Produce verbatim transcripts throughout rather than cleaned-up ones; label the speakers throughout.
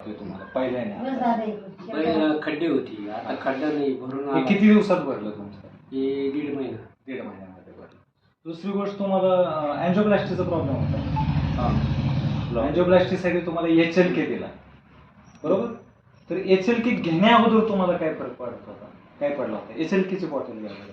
Speaker 1: वाटतोय तुम्हाला पहिल्याने?
Speaker 2: पहिला खड्डे होती, आता खड्डा नाही, भरून
Speaker 1: हे
Speaker 2: आला.
Speaker 1: किती दिवसात भरलं तुमचं?
Speaker 2: हे दीड महिना
Speaker 1: दीड महिन्यामध्ये भरलं. दुसरी गोष्ट, तुम्हाला अँजिओप्लास्टीचा प्रॉब्लेम होता.
Speaker 2: हा
Speaker 1: अँजिओप्लास्टीसाठी तुम्हाला एच एल के दिला, बरोबर? तर एच एल के घेण्या अगोदर तुम्हाला काय फरक पडत होता? काय पडला होता एच एल केची बॉटल घ्यायला?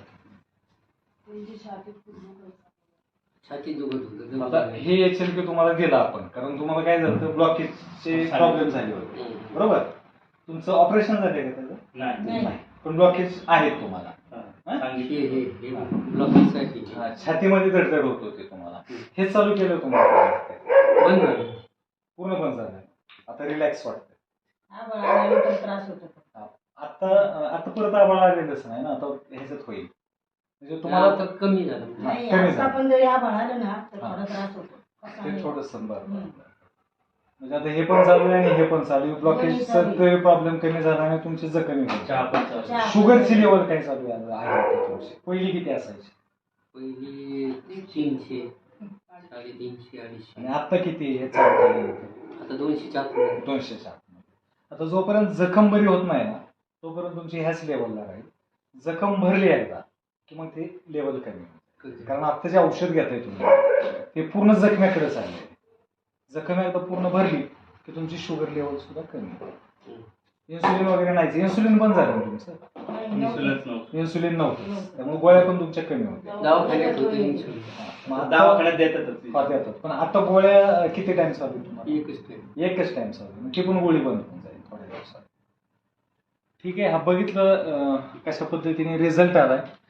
Speaker 2: छाती दुखत होतं.
Speaker 1: आता हे एच एल के तुम्हाला दिला आपण, कारण तुम्हाला काय झालं तर ब्लॉकेजचे प्रॉब्लेम झाले होते, बरोबर? तुमचं ऑपरेशन झाले का त्याचं?
Speaker 3: नाही.
Speaker 1: पण ब्लॉकेज आहेत तुम्हाला.
Speaker 2: हे हे हे ब्लॉकेजसाठी
Speaker 1: हा, छातीमध्ये धडधड होत होती तुम्हाला. हे चालू केलं तुम्हाला?
Speaker 2: बंद झालं,
Speaker 1: पूर्ण बंद झालं. आता रिलॅक्स वाटतं.
Speaker 3: त्रास होतो.
Speaker 1: आता आता परत आबाळ आलेलंच नाही ना, आता ह्याच्यात होईल. म्हणजे तुम्हाला
Speaker 2: आता कमी झालं.
Speaker 3: नाही,
Speaker 1: कमी
Speaker 3: आता
Speaker 1: झालं.
Speaker 3: पण जरी आभाळ आलं ना तर
Speaker 1: हा.
Speaker 3: थोडा त्रास होतो.
Speaker 1: ते थोडंसं बरं.
Speaker 3: हम्म.
Speaker 1: म्हणजे आता हे पण चालू आहे आणि हे पण चालू आहे. ब्लॉकेजचा
Speaker 3: चालू आहे.
Speaker 1: तरी प्रॉब्लेम कमी झाला आणि तुमची जखमी होईल.
Speaker 3: चहा
Speaker 1: शुगरची लेवल काय चालू आहे आहे तुमची? पहिली किती असायची
Speaker 2: पहिली तीनशे, साडेतीनशे, अडीचशे,
Speaker 1: आणि आता किती? हे चालू केलं
Speaker 2: आता दोनशे चार
Speaker 1: दोनशे सात. आता जोपर्यंत जखम बरी होत नाही ना तोपर्यंत तुमची ह्याच लेवलला राहील. जखम भरली एकदा की मग ते लेवल कमी होईल. कारण आता जे औषध घेताय तुम्ही ते पूर्ण जखम्याकडे चाललंय. जखम एकदा पूर्ण भरली की तुमची शुगर लेवल सुद्धा कमी होईल. इन्सुलिन वगैरे नाही, इन्सुलिन बंद झालं ना तुमचं? इन्सुलिन नव्हतं, त्यामुळे गोळ्या पण तुमच्या कमी होत्या.
Speaker 2: दवाखान्यात होते इन्सुलिन.
Speaker 1: मग आता-
Speaker 4: दवाखान्यात देतातच.
Speaker 1: हा, देतात. पण आता गोळ्या किती टाइम चालू आहे तुम्हाला?
Speaker 2: एकच टाइम.
Speaker 1: एकच टाइम चालू आहे. ती पण गोळी बंद होऊन जाईल थोड्या दिवसात. ठीक आहे. हा बघितलं अं, कशा पद्धतीने रिझल्ट आलाय.